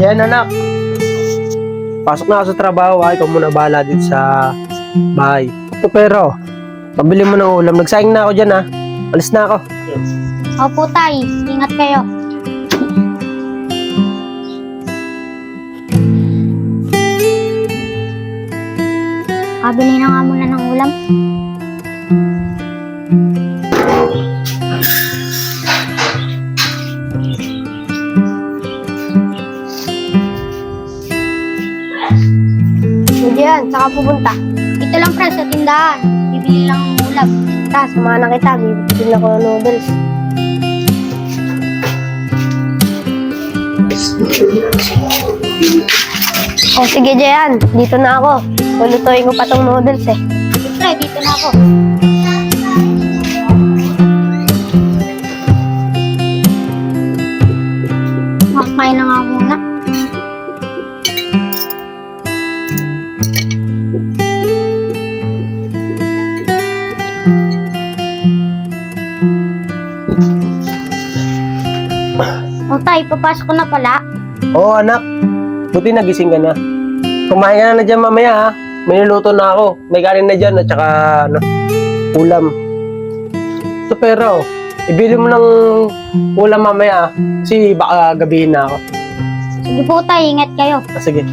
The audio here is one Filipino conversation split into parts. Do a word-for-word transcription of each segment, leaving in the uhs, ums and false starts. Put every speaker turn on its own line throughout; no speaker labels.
Yan anak. Pasok na ako sa trabaho, ay ikaw muna bahala dito sa bahay. Ito pero, pabili mo ng ulam. Nagsaing na ako dyan ha. Alis na ako.
Opo, tay. Ingat kayo. Kabili na nga muna ng ulam.
Diyan, saka pupunta.
Ito lang, pre, sa tindahan. Bibili lang ng ulam.
Ta, samahan na kita. Bibili ako ng noodles. O sige, Jayan. Dito na ako. Lulutuin ko pa tong noodles eh.
Pre, dito na ako. Makakain na nga muna. O tay, papasok ko na pala.
Oo anak, buti nagising ka na. Kumain ka na na dyan mamaya ha. May niluto na ako. May kanin na dyan at saka ano, ulam. Ito pero, ibili mo ng ulam mamaya ha. Kasi baka gabihin na ako.
Sige po tay, ingat kayo.
Ah, sige.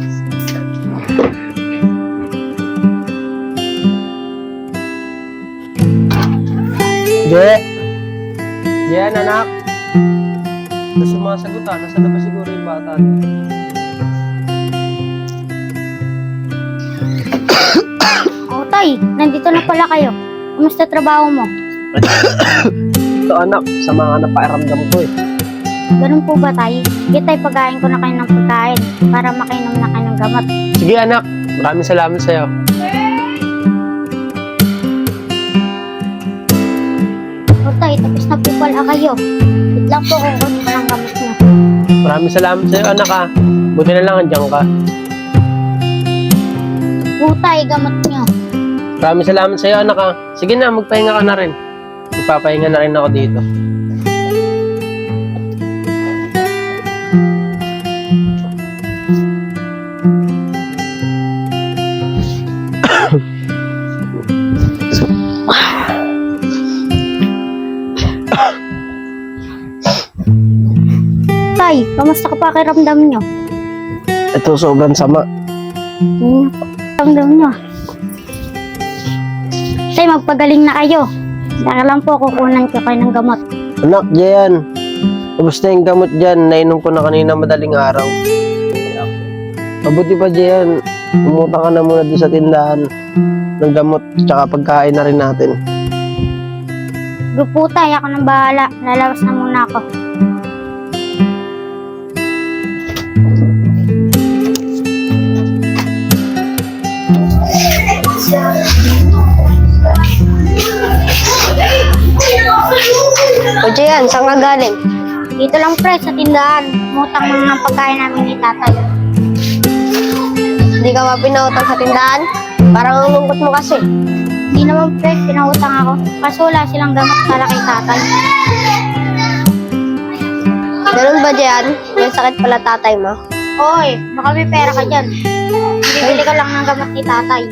Je! Jen, anak! Gusto mga sagutan, nasa na ba siguro yung bata niya?
O tay, nandito na pala kayo. Kumusta trabaho mo?
Ito anak, sa mga napakiramdam ko eh.
Ganun po ba tay? Sige tay, pagkain ko na kayo ng pagkain para makainom na kayo ng gamot.
Sige anak, maraming salamat sa'yo.
O tay, tapos na po pala kayo. Wait lang po kung kunin ko ng gamot niyo.
Maraming salamat sa'yo anak ha. Buti na lang andyan ka.
O tay, gamot niyo.
Maraming salamat sa'yo anak ha. Sige na, magpahinga ka na rin. Magpapahinga na rin ako dito.
Tay, kamusta ka pa kiramdam niyo?
Ito sobrang sama.
Hmm, kiramdam niyo. Tay, magpagaling na kayo. Dahil lang po kukunan ko kayo ng gamot.
Anak, Jayan. Kamusta yung gamot dyan? Nainom ko na kanina madaling araw. Mabuti pa, Jayan. Pumunta ka na muna doon sa tindahan ng gamot tsaka pagkain na rin natin.
Go po tay, ako nang bahala. Lalabas na muna ako.
O Jayan, saan ka galing?
Dito lang pre, sa tindahan. Mutang mga ng pagkain namin ni tatay.
Hindi ka ba pinautang sa tindahan? Parang ang lungkot mo kasi.
Hindi naman pre, pinautang ako. Kaso wala silang gamot para kay tatay.
Ganun ba, Jayan? May sakit pala tatay mo.
Oy, baka may pera ka dyan. Bibili ka lang ng gamot ni tatay.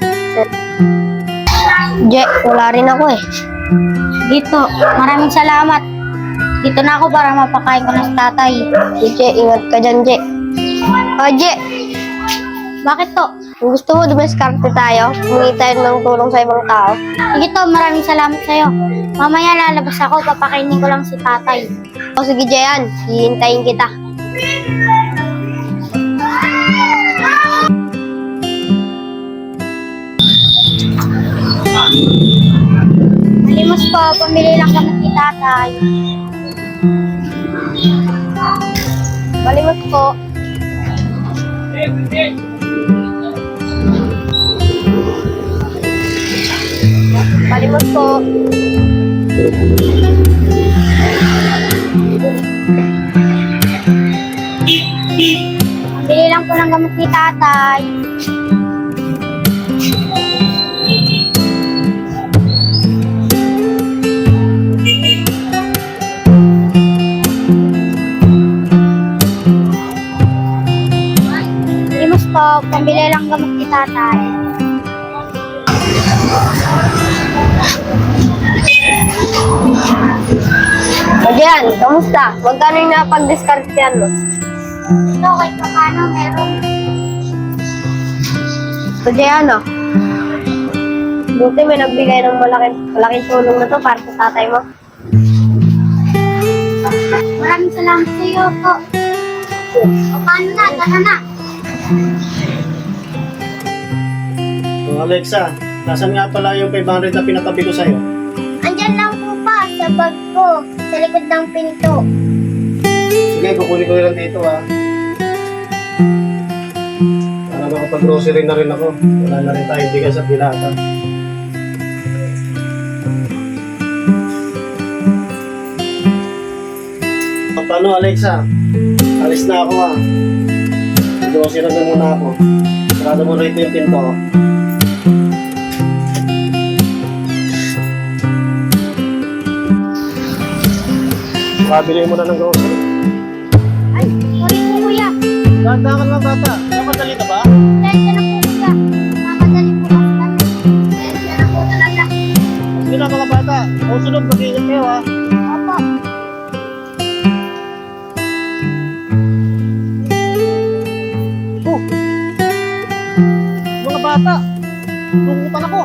Je, wala rin ako eh.
Dito, maraming salamat. Dito na ako para mapakain ko na si tatay.
Je, ingat ka dyan, Je. O, Je,
Bakit to?
kung gusto mo dumiskarte tayo, humingi tayo ng tulong sa ibang tao.
Sige to, maraming salamat sa'yo. Mamaya lalabas ako, papakainin ko lang si tatay.
O sige, Jayan, hihintayin kita.
Malimos po, pamili lang kami ni tatay.
Malimot po. Malimot po.
Pamili lang po ng gamot ni tatay. pambili lang gamot ni tatay.
O Jehan, kamusta? Magkano yung napag-discartean mo?
Ito, kahit pa paano meron.
O Jehan, oh. Buti may nagbigay ng malaking, malaking tulong na to para sa tatay mo.
Maraming salamat sa iyo po. O paano na, tara na.
So Alexa, nasan nga pala yung five hundred na pinatabi ko sa'yo?
Andyan lang po pa sa bag ko, sa likod ng pinto.
Sige, kukunin ko lang dito ha. Para makapag-grocery na rin ako. Wala na rin tayong bigas at dilata. O, paano Alexa? Alis na ako ha. Grocery na muna ako. Sarado mo rito yung pinto. Makabili mo na ng grocery.
Ay, sorry po kuya.
Dahan-dahan ka lang bata. Napadali ka ba?
Dahil na po kuya. Mamadali po kasi kami. Dahil na po talaga.
Sige na mga bata. Kung sunod, mag-iingat kayo ha.
Opo.
Oh. Mga bata. Tungutan ako.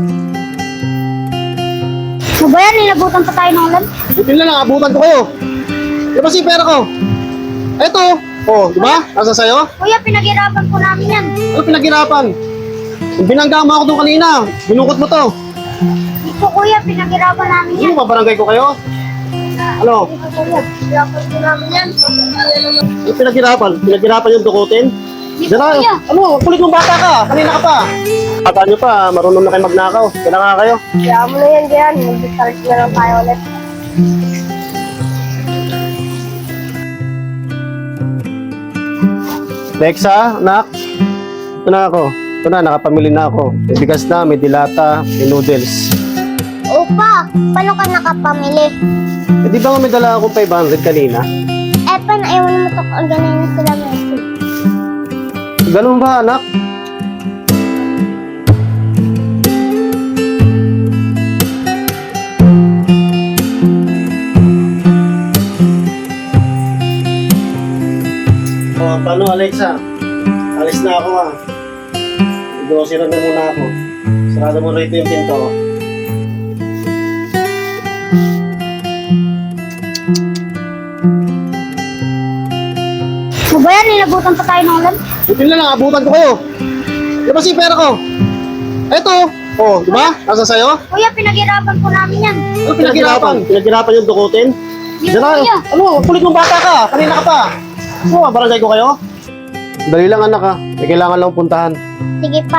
Ano ba yan? Nilabutan pa tayo ng ulan?
Buti na lang, abutan ko kayo. Diba si pera ko? Eto. Oh, di ba? Nasa sayo?
Kuya, pinaghirapan po namin yan.
Ano pinaghirapan? Yung binangga mo ako doon kanina. Binukot mo to.
Hindi po kuya, pinaghirapan namin yan.
Ano ba, barangay ko kayo? Ano?
Hindi po kuya, pinaghirapan po namin yan.
Yung pinaghirapan? Pinaghirapan yung dukutin?
Hindi po
Diyan na.
kuya.
Ano? Kulit mong bata ka. Kanina ka pa. Bata nyo pa, marunong na kayo magnakaw. Kaya nga kayo.
Kaya mo na yan, Jehan. Mag-discarte na lang tayo ulit.
Lexa, anak. Ito na ako. Ito na, nakapamili na ako. May bigas na, may dilata, may noodles.
Opa, paano ka nakapamili?
Eh, di ba nga may dala akong five hundred kanina?
Eh, paano ayaw mo ito kung ganun na sila Messi?
Ganun ba, anak? Oh, paano Alexa? Alis na ako ah. Grocery na muna ako. Sarado mo rito yung pinto.
Ano ba yan? Nilabutan pa tayo ng ulan?
Buti na lang, abutan ko kayo. Di ba si pera ko? Eto. Oh, di ba? Nasa sayo?
Kuya, pinaghirapan po namin yan.
Ano pinaghirapan? Pinaghirapan yung dukutin?
Hindi
Diyan
po
na.
kuya.
Ano? Kulit mong bata ka. Kanina ka pa. Ano? Barangay ko kayo? Dali lang anak ha. May kailangan lang puntahan.
Sige pa.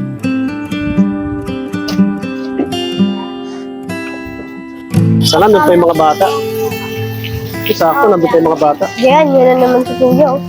Sana nandun pa yung mga bata. Sakto, nandun pa yung mga bata.
Jehan, yun na naman si Kuya, oh.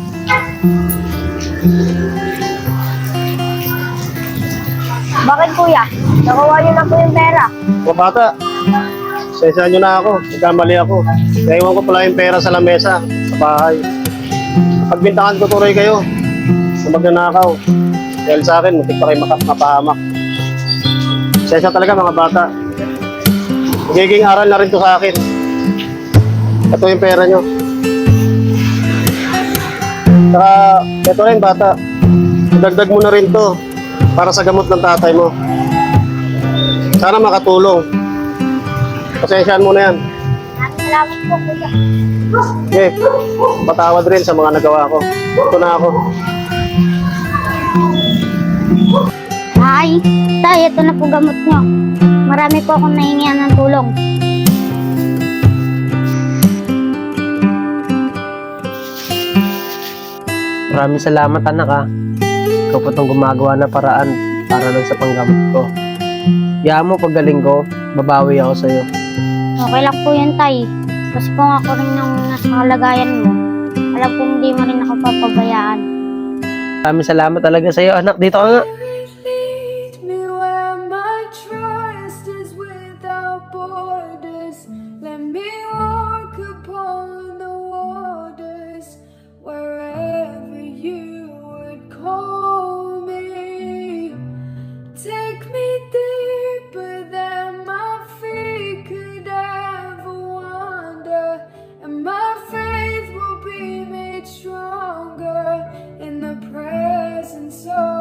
Bakit Kuya? Nakuha niyo na po yung pera.
Mga bata, sensya nyo na ako. Nagkamali ako. Naiwan ko pala yung pera sa lamesa, sa bahay. Pagbintangan ko tuloy kayo na magnanakaw. Dahil sa akin, muntik pa kayo maka- mapahamak. Sensya talaga mga bata. Magiging aral na rin to sa akin. Ito yung pera nyo. Saka, ito rin bata. Dagdag mo na rin to para sa gamot ng tatay mo. Sana makatulong. Pasensyaan mo na yan.
Maraming salamat po kuya.
Okay, patawad rin sa mga nagawa ko. Ito na ako.
Ay, tay, ito na po gamot nyo. Marami po akong nahingian ng tulong.
Maraming salamat anak ha. Ikaw po itong gumagawa na paraan para lang sa panggamot ko. Kaya mo paggaling ko, babawi ako sa'yo.
Okay lang po yan, tay. Kasi kung ako rin nang nasa kalagayan mo, alam kong hindi mo rin ako papabayaan.
Maraming salamat talaga sa'yo anak. Dito ka nga.
Lead me where my trust is without borders. Let me walk upon the waters wherever you would call take me deeper than my feet could ever wander, and my faith will be made stronger in the presence of